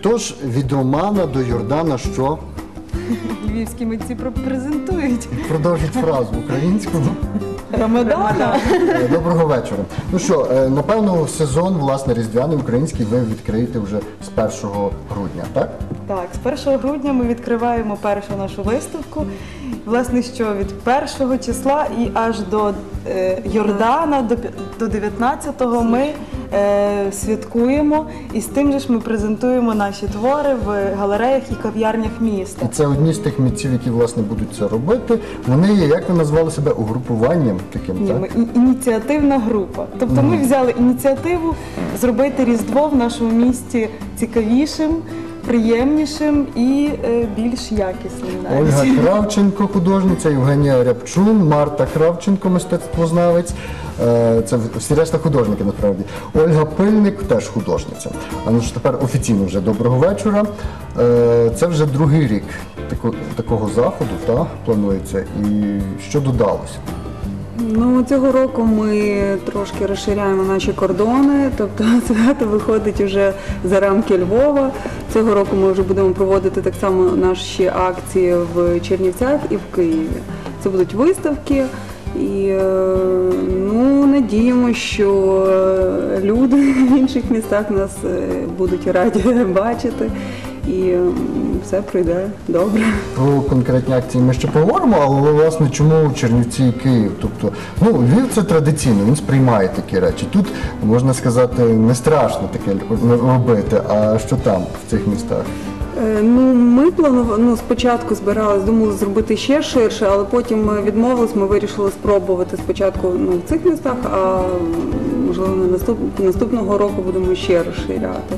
Тож, від Романа до Йордана що? Львівські митці презентують. Продовжіть фразу українською. Рамадана. Доброго вечора. Ну що, напевно, сезон, власне, різдвяний український ви відкриєте вже з 1 грудня, так? Так, з 1 грудня ми відкриваємо першу нашу виставку. Власне, що від 1 числа і аж до Йордана, до 19-го ми святкуємо. І з тим же ж ми презентуємо наші твори в галереях і кав'ярнях міста. І це одні з тих митців, які, власне, будуть це робити. Вони є, як ви назвали себе, угрупуванням таким, Ні, так? ми ініціативна група. Тобто ми взяли ініціативу зробити Різдво в нашому місті цікавішим, приємнішим і більш якісним навіть. Ольга Кравченко, художниця, Євгенія Рябчун, Марта Кравченко, мистецтвознавець. Це всі решта художники, насправді. Ольга Пильник, теж художниця. А ну ж тепер офіційно вже доброго вечора. Це вже другий рік такого заходу, планується. І що додалося? Ну, цього року ми трошки розширяємо наші кордони, тобто свято виходить вже за рамки Львова. Цього року ми вже будемо проводити так само наші акції в Чернівцях і в Києві. Це будуть виставки і надіємося, що люди в інших містах нас будуть раді бачити. І все пройде добре. Про конкретні акції ми ще поговоримо, але, власне, чому Чернівці і Київ? Тобто, Львів – це традиційно, він сприймає такі речі. Тут, можна сказати, не страшно таке робити, а що там, в цих містах? Ми планували, спочатку збиралися, думали зробити ще ширше, але потім ми відмовились, ми вирішили спробувати спочатку в цих містах, а можливо наступного року будемо ще розширяти.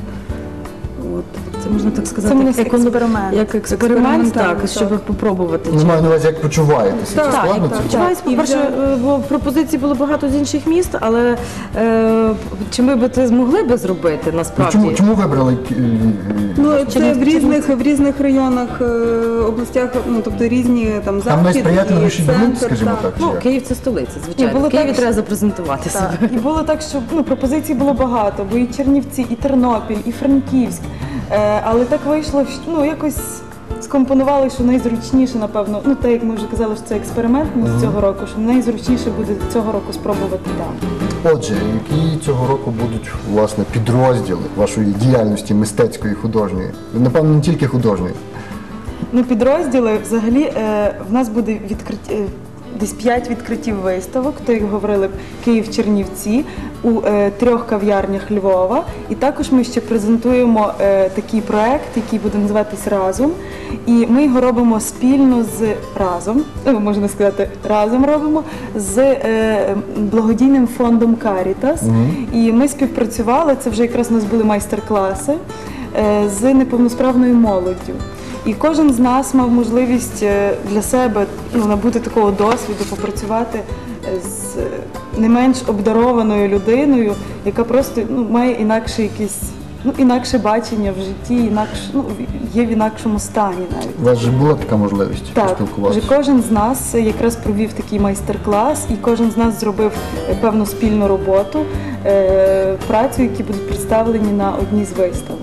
Це можна так сказати, як експеримент, так, щоб попробувати. Я маю на увазі, як почуваєтеся? Так, почуваюся. По-перше, пропозицій було багато з інших міст, але чи ми б це змогли б зробити насправді? Чому вибрали Львів? Це в різних районах, областях, тобто різні там Там захід найсприятливіший і ґрунт, центр. скажімо так. Київ – це столиця, звичайно. В Києві треба запрезентувати себе. І було так, що пропозицій було багато, бо і Чернівці, і Тернопіль, і Франківськ. Але так вийшло, що якось скомпонували, що найзручніше, напевно, так як ми вже казали, що це експеримент з цього року, що найзручніше буде цього року спробувати там. Отже, які цього року будуть, власне, підрозділи вашої діяльності мистецької, художньої? Напевно, не тільки художньої. Підрозділи, взагалі, в нас буде десь 5 відкриттів виставок, то, як говорили, Київ-Чернівці, у 3 кав'ярнях Львова. І також ми ще презентуємо такий проект, який буде називатись «Разом». І ми його робимо спільно з можна сказати, разом робимо, з благодійним фондом «Карітас». І ми співпрацювали, це вже якраз у нас були майстер-класи, з неповносправною молоддю. І кожен з нас мав можливість для себе набути такого досвіду, попрацювати з не менш обдарованою людиною, яка просто має інакше бачення в житті, є в інакшому стані навіть. У вас же була така можливість поспілкуватися? Так, кожен з нас якраз провів такий майстер-клас, і кожен з нас зробив певну спільну роботу, працю, які будуть представлені на одній з виставок.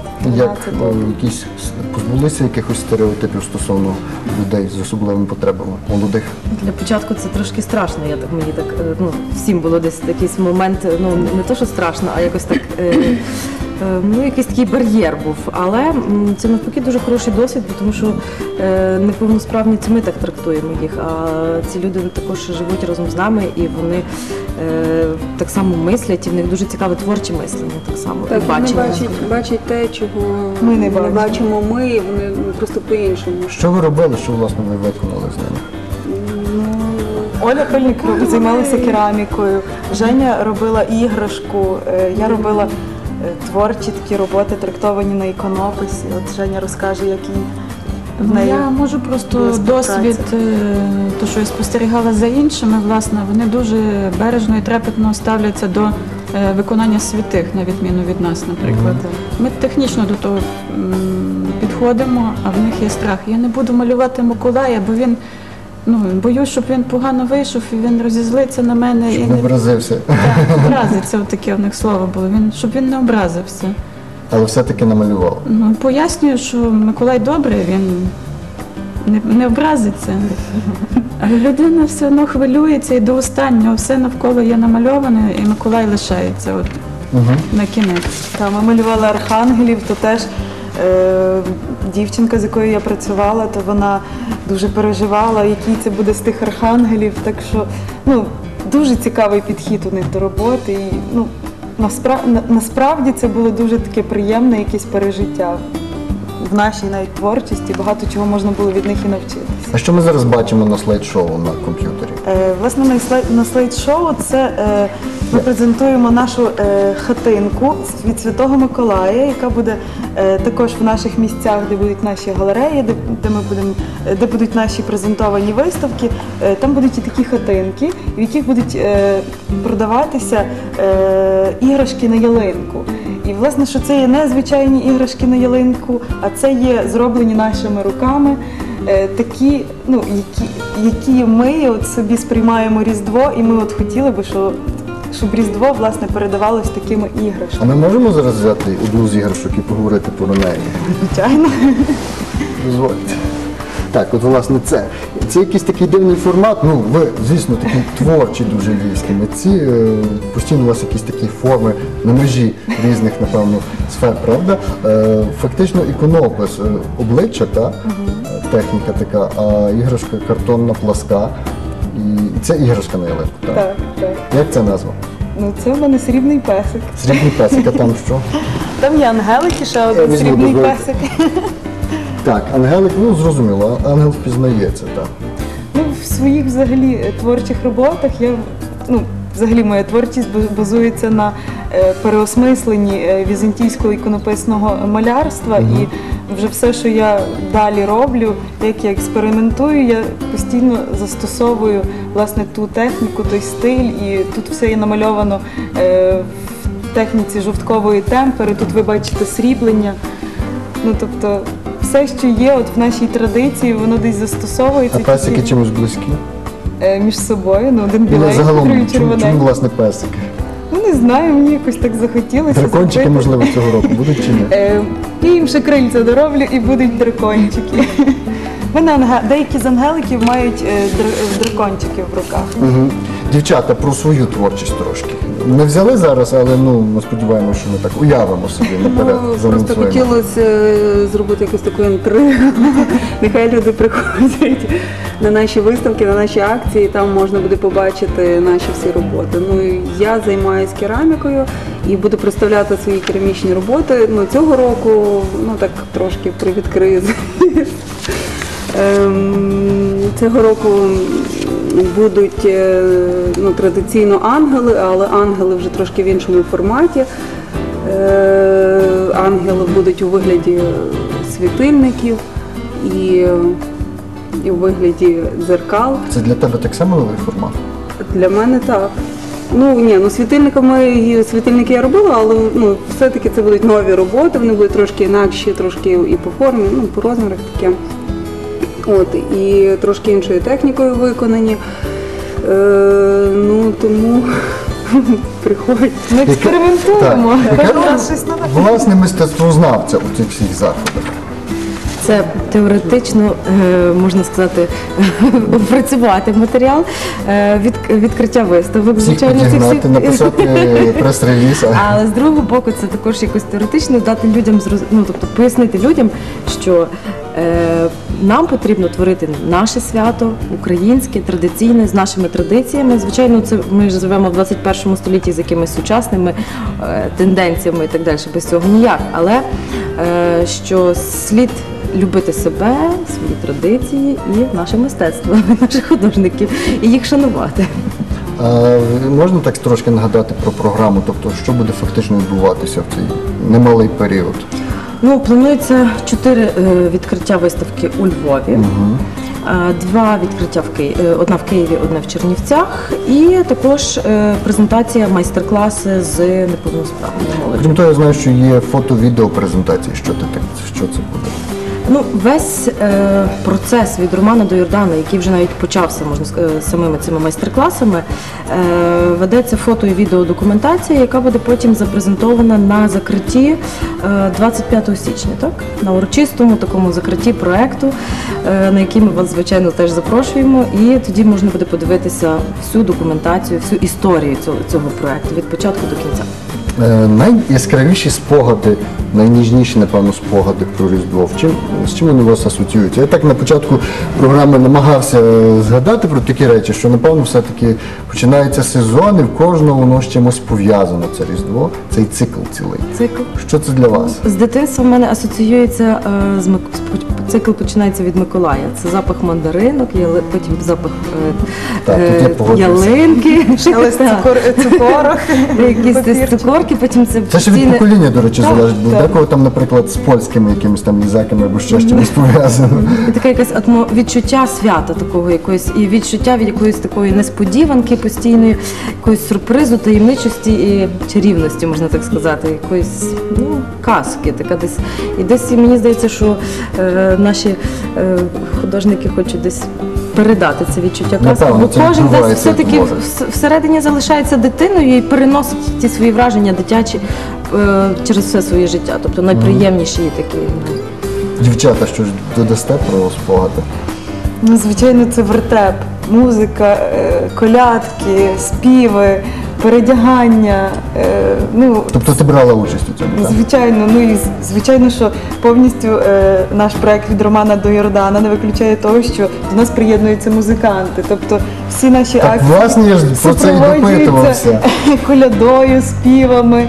Позбулися якихось стереотипів стосовно людей з особливими потребами, молодих? Для початку це трошки страшно, всім було десь якийсь момент, не то, що страшно, а якось так, якийсь такий бар'єр був. Але це навпаки дуже хороший досвід, тому що неповносправні це ми так трактуємо їх, а ці люди також живуть разом з нами і вони так само мислять, і в них дуже цікаве творче мислення, так само. Так, вони бачать те, чого ми не бачимо ми, і вони просто по-іншому. Що ви робили, що, власне, ви виконали з ними? Оля Пильник займалася керамікою, Женя робила іграшку, я робила творчі такі роботи, трактовані на іконописі. От Женя розкаже, як їй в неї. Я можу просто досвід, то, що я спостерігала за іншими, власне, вони дуже бережно і трепетно ставляться до виконання святих, на відміну від нас, наприклад. Ми технічно до того підходимо, а в них є страх. Я не буду малювати Миколая, бо він, боюсь, щоб він погано вийшов, і він розізлиться на мене. Щоб не образився. Так, образиться, таке у них слово було, щоб він не образився. Але все-таки намалювала. Ну, пояснюю, що Миколай добрий, він не образиться. Але людина все одно хвилюється і до останнього все навколо є намальоване, і Миколай лишається от, на кінець. Та, ми малювали архангелів, то теж дівчинка, з якою я працювала, то вона дуже переживала, який це буде з тих архангелів. Так що дуже цікавий підхід у них до роботи. І, насправді це було дуже таке приємне якесь пережиття в нашій навіть творчості. Багато чого можна було від них і навчитися. А що ми зараз бачимо на слайд-шоу на комп'ютері? Власне, на слайд-шоу ми презентуємо нашу хатинку від Святого Миколая, яка буде також в наших місцях, де будуть наші галереї, де будуть наші презентовані виставки. Там будуть і такі хатинки, в яких будуть продаватися іграшки на ялинку. І, власне, що це є не звичайні іграшки на ялинку, а це є зроблені нашими руками, такі, які ми от собі сприймаємо Різдво, і ми от хотіли би, щоб Різдво, власне, передавалось такими А іграшками. ми можемо зараз взяти одну з іграшок і поговорити про неї? Звичайно. Дозвольте. Так, от власне це. Це якийсь такий дивний формат. Ви, звісно, такі творчі дуже львівські митці. Постійно у вас якісь такі форми на межі різних, напевно, сфер, правда? Фактично іконопис обличчя, техніка така, а іграшка картонна, пласка. І це іграшка на ялинку, так? Так, так. Як це назва? Це в мене срібний песик. Срібний песик, а там що? Там є ангелики, ще один візьму, срібний дозвольте. песик. Так, ангелик, зрозуміло, ангел впізнається, так. В своїх взагалі творчих роботах взагалі моя творчість базується на переосмисленні візантійського іконописного малярства. І вже все, що я далі роблю, як я експериментую, я постійно застосовую власне ту техніку, той стиль, і тут все є намальовано в техніці жовткової темпери. Тут ви бачите сріблення. Тобто все, що є от в нашій традиції, воно десь застосовується. А песики чимось близькі? Між собою, один біленький, Загалом, другий чому червоненький. власне песики? Не знаю, мені якось так захотілося. Дракончики, зробити. можливо, цього року будуть чи ні? Я їм ще крильця дороблю і будуть дракончики. Деякі з ангеликів мають дракончики в руках. Угу. Дівчата, про свою творчість трошки. Не взяли зараз, але ми сподіваємося, що ми так уявимо собі наперед. Просто заанонсуємо. хотілося зробити якусь таку інтригу. Нехай люди приходять на наші виставки, на наші акції, там можна буде побачити наші всі роботи. Я займаюся керамікою і буду представляти свої керамічні роботи. Цього року, так трошки привідкрию. Цього року будуть традиційно ангели, але ангели вже трошки в іншому форматі. Ангели будуть у вигляді світильників і у вигляді дзеркал. Це для тебе так само новий формат? Для мене так. Світильники я робила, але все-таки це будуть нові роботи, вони будуть трошки інакші, трошки і по формі, по розмірах таке. І трошки іншою технікою виконані. Тому приходьте. Ми експериментуємо. Яке У нас щось нове. власне мистецтвознавця у цих всіх заходах? Це теоретично, можна сказати, опрацювати матеріал, відкриття виставок. Всіх підігнати, написати прес-реліз. Але з другого боку, це також якось теоретично дати людям, тобто пояснити людям, що нам потрібно творити наше свято, українське, традиційне, з нашими традиціями. Звичайно, це ми живемо в 21 столітті з якимись сучасними тенденціями і так далі, без цього ніяк. Але що слід любити себе, свої традиції і наше мистецтво, наших художників, і їх шанувати. Можна так трошки нагадати про програму, тобто що буде фактично відбуватися в цей немалий період? Планується 4 відкриття виставки у Львові, 2 відкриття одна в Києві, одна в Чернівцях, і також презентація майстер-класи з неповносправною молоддю. Крім того, я знаю, що є фото-відео презентації. Що це буде? Ну, весь процес від Романа до Йордана, який вже навіть почався, можна сказати, самими цими майстер-класами, ведеться фото- і відеодокументація, яка буде потім запрезентована на закритті 25 січня, так? На урочистому такому закритті проекту, на який ми вас, звичайно, теж запрошуємо. І тоді можна буде подивитися всю документацію, всю історію цього проекту від початку до кінця. Найяскравіші спогади, найніжніші, напевно, спогади про Різдво. З чим вони у вас асоціюються? Я так на початку програми намагався згадати про такі речі, що, напевно, все-таки починається сезон, і в кожного воно з чимось пов'язано, це Різдво, цей цикл цілий. Цикл. Що це для вас? З дитинства в мене асоціюється цикл починається від Миколая. Це запах мандаринок, потім запах Так, тут я погоджуюся. ялинки, Але з цукорок. якісь цукорки, потім це Це ще від постійне- покоління, до речі, Так, залежить, бо так. декого там, наприклад, з польськими якимись там лізаками або ще чимось пов'язано. І таке якесь відчуття свята такого якоїсь, і відчуття від якоїсь такої несподіванки постійної, якоїсь сюрпризу, таємничості і чарівності, можна так сказати, якоїсь казки. Така десь. І десь мені здається, що наші художники хочуть десь передати це відчуття казки, Напевно, бо це кожен десь відбувається, як все-таки може. всередині залишається дитиною і переносить ті свої враження дитячі через все своє життя. Тобто найприємніші такі. Дівчата, що ж додасте про спогади? Ну, звичайно, це вертеп, музика, колядки, співи, передягання. Ну, Тобто ти брала участь у цьому, так? звичайно, ну і звичайно, що повністю наш проект від Романа до Йордана не виключає того, що до нас приєднуються музиканти. Тобто всі наші Так, акції власне, я ж про це і допитувався. колядою, співами.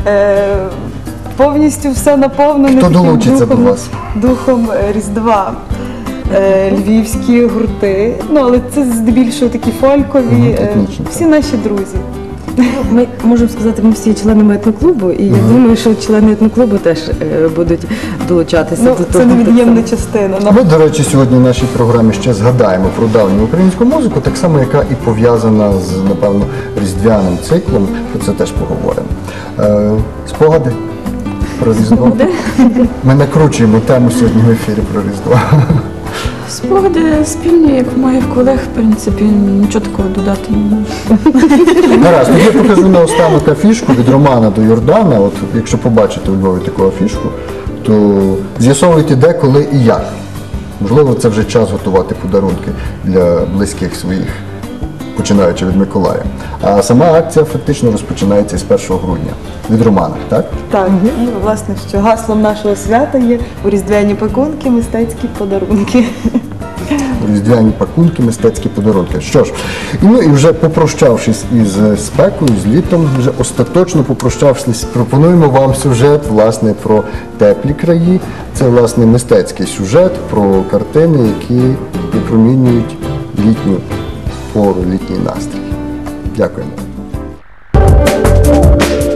Повністю все наповнене Хто таким долучиться до вас? духом Різдва. Львівські гурти, ну але це здебільшого такі фолькові, етнічні, всі наші друзі. Ми можемо сказати, ми всі членами етноклубу, і я думаю, що члени етноклубу теж будуть долучатися Ну, до це того. невід'ємна частина. Ми, до речі, сьогодні в нашій програмі ще згадаємо про давню українську музику, так само, яка і пов'язана з, напевно, різдвяним циклом, про це теж поговоримо. Спогади про Різдво? Ми накручуємо тему сьогодні в ефірі про Різдво. Спогади спільні, як у моїх колег, в принципі, нічого такого додати не можу. Гаразд, тоді я покажу наостанок афішку від Романа до Йордана. От якщо побачите у Львові таку афішку, то з'ясовуйте де, коли і як. Можливо, це вже час готувати подарунки для близьких своїх, починаючи від Миколая. А сама акція фактично розпочинається з 1 грудня. Від Романа, так? Так, і власне, що гаслом нашого свята є у різдвяні пакунки, мистецькі подарунки. Різдвяні пакунки, мистецькі подарунки. Що ж, і вже попрощавшись із спекою, з літом, вже остаточно попрощавшись, пропонуємо вам сюжет, власне, про теплі краї. Це, власне, мистецький сюжет про картини, які випромінюють літню пору, літній настрій. Дякуємо.